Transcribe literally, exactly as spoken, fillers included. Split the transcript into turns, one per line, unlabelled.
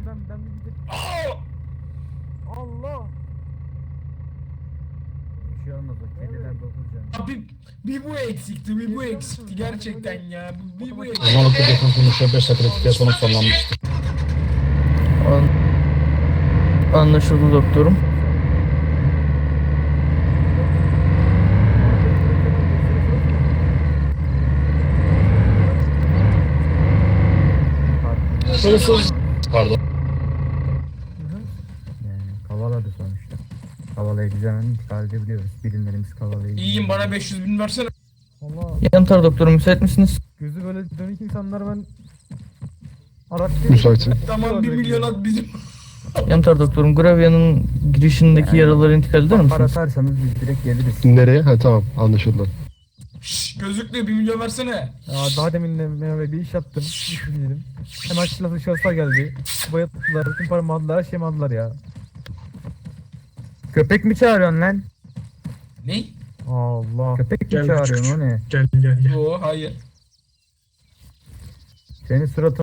ben ben bir gidip
Aa!
Allah.
Bir şey olmaz o kediler dokuz can.
Abi bir bu eksikti, bir bu eksikti gerçekten ya. Bir, bir bu
O
eksikti.
zaman o telefon konuşuyor beş dakika kritik sonra sonlanmıştı.
An Anlaşıldı doktorum.
Hırsız. Pardon.
Yani kavaladı sonuçta. Kavalayıcı hemen intikal edebiliyoruz. Birimlerimiz kavalayıcı.
İyiyim, bana beş yüz bin versene.
Allah.
Yantar doktorum, müsait misiniz?
Gözü böyle dönük insanlar ben araç
Müsaitim.
Tamam, bir milyon at bizim.
Yantar doktorum, Gravia'nın girişindeki
Yani-
yaraları intikal eder
Para
misiniz?
atarsanız biz direkt geliriz.
Nereye? Ha tamam anlaşıldı.
Şşş, gözlüklü bir milyon versene.
Ya daha demin de Mehmet bir iş yaptım. İş dedim. Hemen silahlı şahıslar geldi. Bayattılar, bütün paramı aldılar, her şeyimi aldılar ya.
Köpek mi çağırıyorsun lan?
Ne?
Allah.
Köpek mi
Gel
çağırıyorsun o ne?
Gel gel gel.
Yo, hayır.
Senin suratın